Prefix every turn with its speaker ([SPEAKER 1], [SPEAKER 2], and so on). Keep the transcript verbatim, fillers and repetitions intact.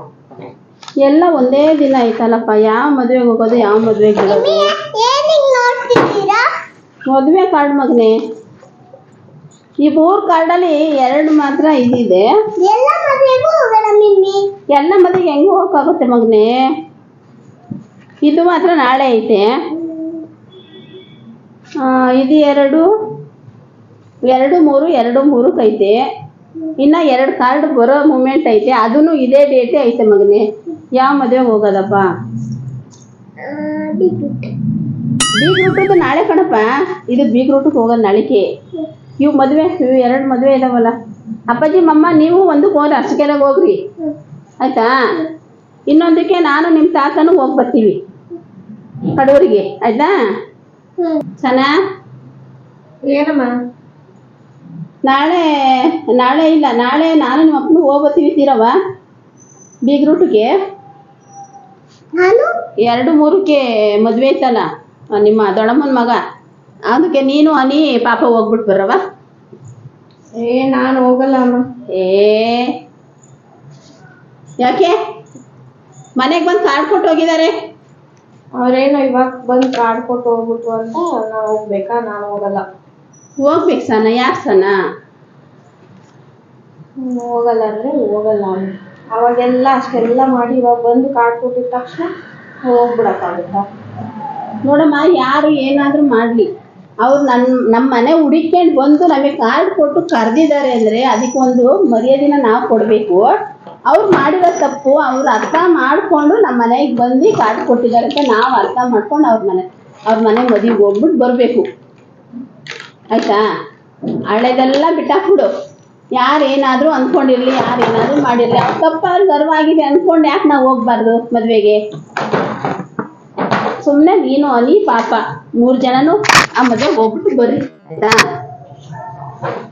[SPEAKER 1] ಎಲ್ಲ ಒಂದೇ ದಿನ ಆಯ್ತಲ್ಲಪ್ಪ, ಯಾವ ಮದುವೆಗೆ ಹೋಗೋದು ಯಾವ ಮದುವೆಗೆ ಬಿಡೋದು? ಮದುವೆ ಕಾರ್ಡ್ ಮಗನೇ, ಈ ಮೂರು ಕಾರ್ಡಲ್ಲಿ ಎರಡು ಮಾತ್ರ ಇದಿದೆ. ಎಲ್ಲ ಮದುವೆಗೆ ಹೆಂಗೆ ಹೋಗಕ್ಕಾಗುತ್ತೆ ಮಗನೇ? ಇದು ಮಾತ್ರ ನಾಳೆ ಐತೆ. ಇದು ಎರಡು ಎರಡು ಮೂರು ಎರಡು ಮೂರಕ್ಕೆ ಐತೆ. ಇನ್ನು ಎರಡು ಕಾರ್ಡ್ ಬರೋ ಮೂಮೆಂಟ್ ಐತೆ, ಅದೂ ಇದೇ ಡೇಟೇ ಐತೆ ಮಗನೇ. ಯಾವ ಮದುವೆಗೆ ಹೋಗೋದಪ್ಪ? ಬೀಗ್ ರೂಟದ್ದು ನಾಳೆ ಕಣಪ್ಪ. ಇದು ಬೀಗ್ ರೂಟಿಗೆ ಹೋಗೋದು ನಾಳೆಗೆ. ಇವು ಮದುವೆ, ಇವು ಎರಡು ಮದುವೆ ಇದಾವಲ್ಲ. ಅಪ್ಪಾಜಿ ಮಮ್ಮ ನೀವು ಒಂದು ಫೋನ್ ಅರ್ಸಿಕೆರೆಗೆ ಹೋಗ್ರಿ ಆಯ್ತಾ. ಇನ್ನೊಂದಕ್ಕೆ ನಾನು ನಿಮ್ಮ ತಾತನೂ ಹೋಗಿ ಬರ್ತೀವಿ ಕಡೂರಿಗೆ ಆಯ್ತಾ. ಸನಾ
[SPEAKER 2] ಏನಮ್ಮ?
[SPEAKER 1] ನಾಳೆ ನಾಳೆ ಇಲ್ಲ ನಾಳೆ ನಾನು ನಿಮ್ಮ ಅಪ್ಪನು ಹೋಗ್ಬರ್ತೀವಿ ತೀರವ ಬೀಗ್ ರೂಟಿಗೆ.
[SPEAKER 2] ನಾನು
[SPEAKER 1] ಎರಡು ಮೂರಕ್ಕೆ ಮದುವೆ ಐತಲ್ಲ ನಿಮ್ಮ ದೊಡ್ಡಮ್ಮನ ಮಗ, ಅದಕ್ಕೆ ನೀನು ಅನಿ ಪಾಪ ಹೋಗ್ಬಿಟ್ಟು ಬರವ.
[SPEAKER 2] ಏ ನಾನು ಹೋಗಲ್ಲ ಅಮ್ಮ.
[SPEAKER 1] ಏ ಯಾಕೆ? ಮನೆಗೆ ಬಂದು ಕಾರ್ಡ್ ಕೊಟ್ಟು ಹೋಗಿದ್ದಾರೆ.
[SPEAKER 2] ಅವ್ರೇನು ಇವಾಗ ಬಂದು ಕಾರ್ಡ್ ಕೊಟ್ಟು ಹೋಗ್ಬಿಟ್ಟು ಅಂತ ನಾವು ಹೋಗ್ಬೇಕಾ? ನಾನು ಹೋಗಲ್ಲ.
[SPEAKER 1] ಹೋಗ್ಬೇಕು ಸನ. ಯಾಕೆ ಸನ
[SPEAKER 2] ಹೋಗಲ್ಲ ಅಂದ್ರೆ ಹೋಗಲ್ಲ. ಅವಾಗೆಲ್ಲ ಅಷ್ಟೆಲ್ಲ ಮಾಡಿ ಇವಾಗ ಬಂದು ಕಾರ್ಡ್ ಕೊಟ್ಟಿದ ತಕ್ಷಣ ಹೋಗ್ಬಿಡಕ್ಕಾಗುತ್ತಾ?
[SPEAKER 1] ನೋಡಮ್ಮ, ಯಾರು ಏನಾದರೂ ಮಾಡಲಿ, ಅವ್ರು ನನ್ನ ನಮ್ಮ ಮನೆ ಹುಡುಕೊಂಡು ಬಂದು ನಮಗೆ ಕಾರ್ಡ್ ಕೊಟ್ಟು ಕರೆದಿದ್ದಾರೆ ಅಂದರೆ ಅದಕ್ಕೊಂದು ಮರ್ಯಾದೆನ ನಾವು ಕೊಡಬೇಕು. ಅವ್ರು ಮಾಡಿರೋ ತಪ್ಪು ಅವ್ರು ಅರ್ಥ ಮಾಡಿಕೊಂಡು ನಮ್ಮ ಮನೆಗೆ ಬಂದು ಕಾರ್ಡ್ ಕೊಟ್ಟಿದ್ದಾರೆ ಅಂತ ನಾವು ಅರ್ಥ ಮಾಡ್ಕೊಂಡು ಅವ್ರ ಮನೆ ಅವ್ರ ಮನೆ ಮದುವೆಗೆ ಹೋಗ್ಬಿಟ್ಟು ಬರಬೇಕು ಆಯಿತಾ. ಹಳೆದೆಲ್ಲ ಬಿಟ್ಟಾಕ್ಬಿಡು. ಯಾರು ಏನಾದರೂ ಅಂದ್ಕೊಂಡಿರಲಿ, ಯಾರು ಏನಾದರೂ ಮಾಡಿರಲಿ, ಅವ್ರು ತಪ್ಪಾದ್ರು ಗರ್ವ ಆಗಿದೆ ಅಂದ್ಕೊಂಡು ಯಾಕೆ ನಾವು ಹೋಗ್ಬಾರ್ದು ಮದುವೆಗೆ? ಸುಮ್ಮನೆ ನೀನು ಅನಿ ಪಾಪ ಮೂರು ಜನನು ಆ ಮದುವೆಗೆ ಹೋಗ್ಬಿಟ್ಟು ಬರ್ರಿ ಆಯಿತಾ.